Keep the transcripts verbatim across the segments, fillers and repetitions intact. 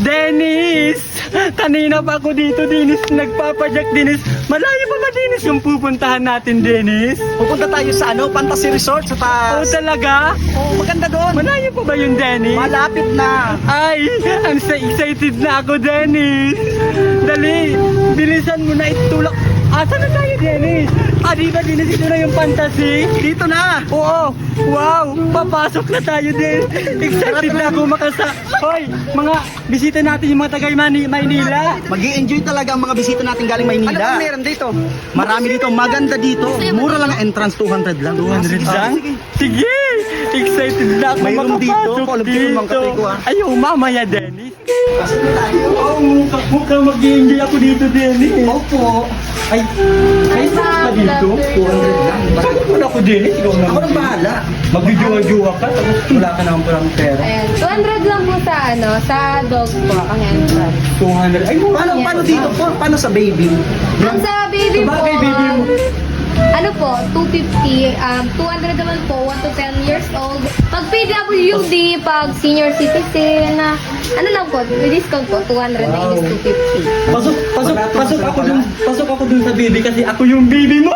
Dennis! Kanina pa ako dito, Dennis. Nagpapadyak, Dennis. Malayo pa ba, Dennis, yung pupuntahan natin, Dennis? Pupunta tayo sa ano, Fantasy Resort sa Oo, taas. talaga? Oo, maganda doon. Malayo pa ba yun, Dennis? Malapit na. Ay, ang sa- excited na ako, Dennis. Dali, bilisan mo na itulak. Asa na tayo, Dennis? Ah, di ba, Dennis, ito na yung fantasy? Dito na. Oo, wow, papasok na tayo din. Excited na ako makasa... Hoy, mga bisita natin yung mga taga Mani- Maynila. Mag-i-enjoy talaga ang mga bisita natin galing Ano Maynila. ba meron dito? Marami dito, maganda dito. Mura lang ang entrance, two hundred lang. two hundred Ah, lang? sige. Sige, excited na ako May room dito. makapasok Alam ko yun, mga kape ko, ah. Ayaw, mamaya, Dennis. Oo, mukha, mukha mag-i-enjoy ako dito, Dennis. Opo. Ay, ay, sa dito? two hundred lang. Saan ko ako, Dennis? Ikaw Ako naman. nang bahala. Magjuwa-juwa ka, tapos wala ka naman parang pera. Ayan, two hundred lang po sa ano, sa dog po, ang entrance. two hundred. Ay, mukha Paano, paano dito? Pa- Paano sa baby? Ang sa baby po, Sabagay, baby mo. ano po, two fifty, um, two hundred naman po, one to ten years old. Pag P W D, pag senior citizen, na ano lang po, may discount po, two hundred na is two fifty. Pasok, pasok, Barato pasok masarap ako pala. dun, pasok ako dun sa baby kasi ako yung baby mo!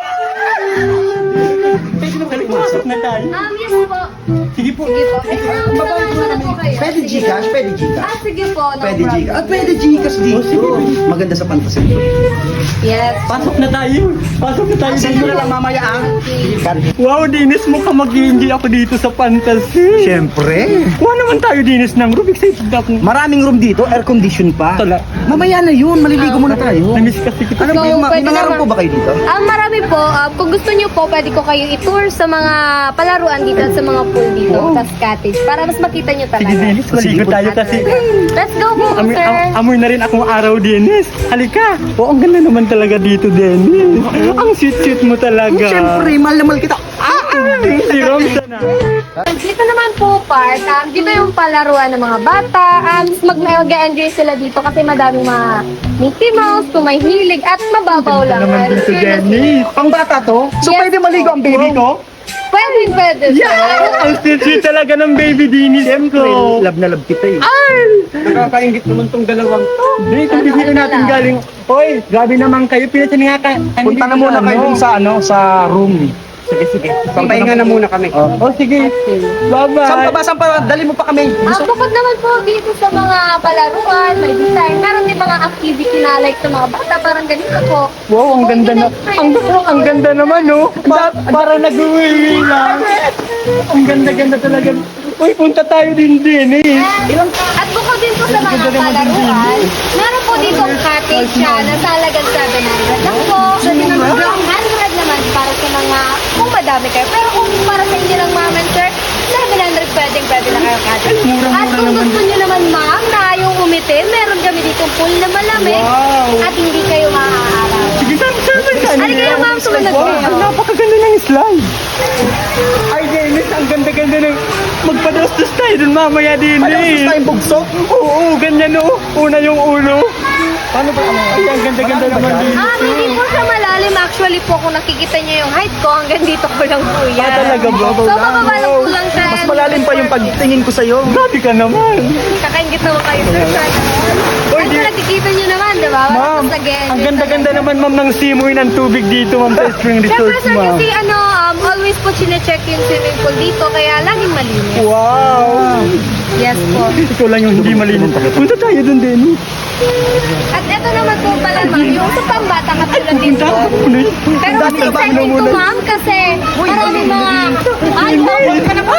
Pwede na balik, pasok na tayo. Um, yes po. Sige po. Sige po. Eh, um, samahan ko na po kayo. Pwede Sige. Gcash? Pwede Gcash? Ah, sige po, no Pwede problem. Gcash. Ah, pwede Gcash dito. Oh, sige. Maganda sa Fantasy Resort. Yes. Pasok na tayo. Pasok na tayo. Send ko na lang mamaya ang card. Wow, Dinis, mukhang mag-i-enjoy ako dito sa fantasy. Siyempre. Kuha naman tayo, Dinis, ng room. Excited ako. Maraming room dito, air condition pa. Tala. Mamaya na yun, maliligo muna tayo. Namiss kasi kita. Ano ba So, yung, ma- pwede may mga room naman. po ba kayo dito? Ah, marami po. Ah, kung gusto niyo po, pwede ko kayo i-tour sa mga palaruan dito at sa mga pool dito, Wow. tas cottage, para mas makita niyo Sige, talaga. Dinis, maligo tayo kasi. Let's go po, Amoy, sir. am- amoy na rin akong araw, Dennis. Halika. Oo, ang ganda naman talaga dito, Dennis. Ang sweet-sweet mo talaga. Siyempre, mahal na mahal kita. Ah, si Romsa na. Dito naman po, park. Um, dito yung palaruan ng mga bata. Um, mag- mag-enjoy sila dito kasi madaming mga Mickey Mouse, kung may hilig, at mababaw lang. Naman dito, Sure na- Dennis. Pang bata to? So Yes pwede maligo ang baby ko? Pwede, pwede. sir. Yeah! Ang sweet-sweet talaga ng baby Dennis ko. Love na love kita eh. Ay! Nakakaingit naman tong dalawang to. Dito, bibili natin galing. Hoy, grabe naman kayo. Pinatinihan ka. Punta na muna kayo dun sa ano, sa room. Sige, sige. Pampahinga na muna kami. Oh. Oh, sige. Bye-bye. Saan pa ba? Saan pa? Dali mo pa kami. Ah, bukod naman po dito sa mga palaruan, may design, meron din mga activity na like sa mga bata, parang ganito po. Wow, ang ganda na. Ang, ang ganda naman, no? Pa, para nag-uwi lang. Ang ganda-ganda talaga. Uy, punta tayo din din, eh. At bukod din po sa mga Ganda naman din palaruan, meron po dito cottage siya na sa halagang seven hundred lang po. one hundred naman para sa mga, kung madami kayo. Pero kung para sa inyo lang ma'am and sir, seven hundred pwedeng pwede na kayo cottage. Mura-mura At kung naman. gusto nyo naman ma'am na yung umiti, meron kami dito pool na malamig Wow. at hindi kayo maaaraw. Sige, saan saan ba yan? Halika kayo ma'am, sumunod Wow, kayo. ang napakaganda ng slide. Ay, Dennis, ang ganda-ganda ng... Magpadastos tayo dun mamaya din, Padastos eh. tayong bugso? Oo, ganyan, no? Una yung ulo. Paano ba? Ano? Ay, ang ganda-ganda naman din. Ah, hindi po siya malalim. Actually po, kung nakikita niyo yung height ko, hanggang dito ko lang po yan. Ah, talaga ba? So, mababa lang po lang siya. Mas malalim pa yung pagtingin ko sa'yo. Grabe ka naman. Kakaingit naman kayo, sir. Oy, Ay, di- nakikita niyo naman, di ba? Ma'am, Tapos again, ang ganda-ganda naman, ma'am, ng simoy ng tubig dito, ma'am, sa Spring Siyempre, Resort, sir, ma'am. kasi ano, um, always po chinecheck yung swimming pool dito, kaya laging malinis. Wow! Yes po. Ikaw lang yung hindi malinis. Punta tayo dun din. At ito naman po pala, ma'am, yung sa pambata katulad dito. Punta ako muna. Pero mas exciting to, ma'am, kasi maraming mga... Ay, Hindi. ka na po.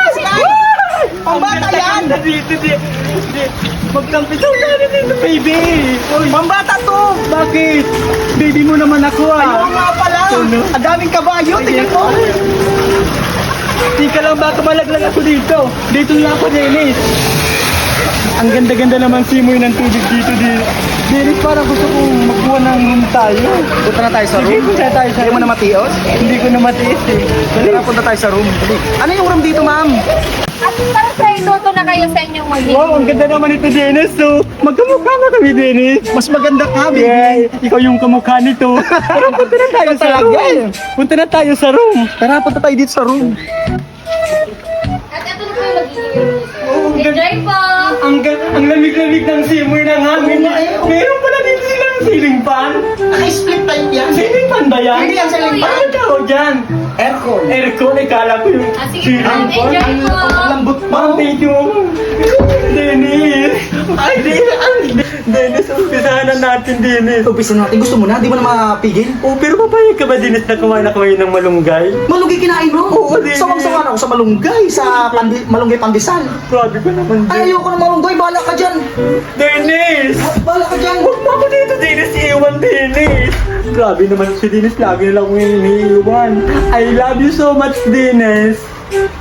Pambata yan! Dito, dito. Magkampisaw na rin dito, baby. Uy, Pambata to! bakit? Baby mo naman ako, Oo ah. nga pala! Ano? Ang daming kabayo, tingnan mo! Tika lang, baka malaglag ako dito. Dito lang ako, Dennis. Ang ganda-ganda naman simoy ng tubig dito, di. Dennis, parang gusto kong magkuha ng room tayo. Punta na tayo sa Sige, room. punta tayo sa Hindi mo na matios? Hindi ko na matiis, eh. Tara, punta tayo sa room. Dali. Ano yung room dito, ma'am? At para sa ituto na kayo sa inyong magiging. Wow, ang ganda naman ito, Dennis. So, magkamukha na kami, Dennis. Mas maganda ka, baby. Yeah, ikaw yung kamukha nito. Pero punta na tayo sa Talaga, room. eh. Punta na tayo sa room. Tara, punta tayo dito sa room. At ito na po yung magiging room. Oo, ganda. Enjoy po! Ang, ga- ang lamig-lamig ng simoy ng hangin. Oo nga, eh. Meron pala din silang ceiling fan. Naka-split type yan. Ceiling fan ba yan? Hindi yan ceiling fan. Ano tawag dyan? Aircon. Aircon, eh, kala ko yung Ah, sige ceiling ma'am, fan. enjoy po! Ang lambot mo. Ma'am, thank you. Dennis. Ay, Dennis. Dennis, umpisahan na natin, Dennis. Umpisa natin. Gusto mo na? Di mo na mapigil? Oh, pero papayag ka ba, Dennis, na kumain na kumain ng malunggay? Malunggay kinain mo? Oo, di- Sawang-sawa na ako sa malunggay, sa pandi, malunggay pandesal. Grabe ka naman, Ay, Dennis. ayoko ng malunggay. Bahala ka dyan. Dennis! Bahala ka dyan. Huwag mo ako dito, Dennis. Iiwan, Dennis. Grabe naman si Dennis. Lagi na lang akong iniiwan. I love you so much, Dennis.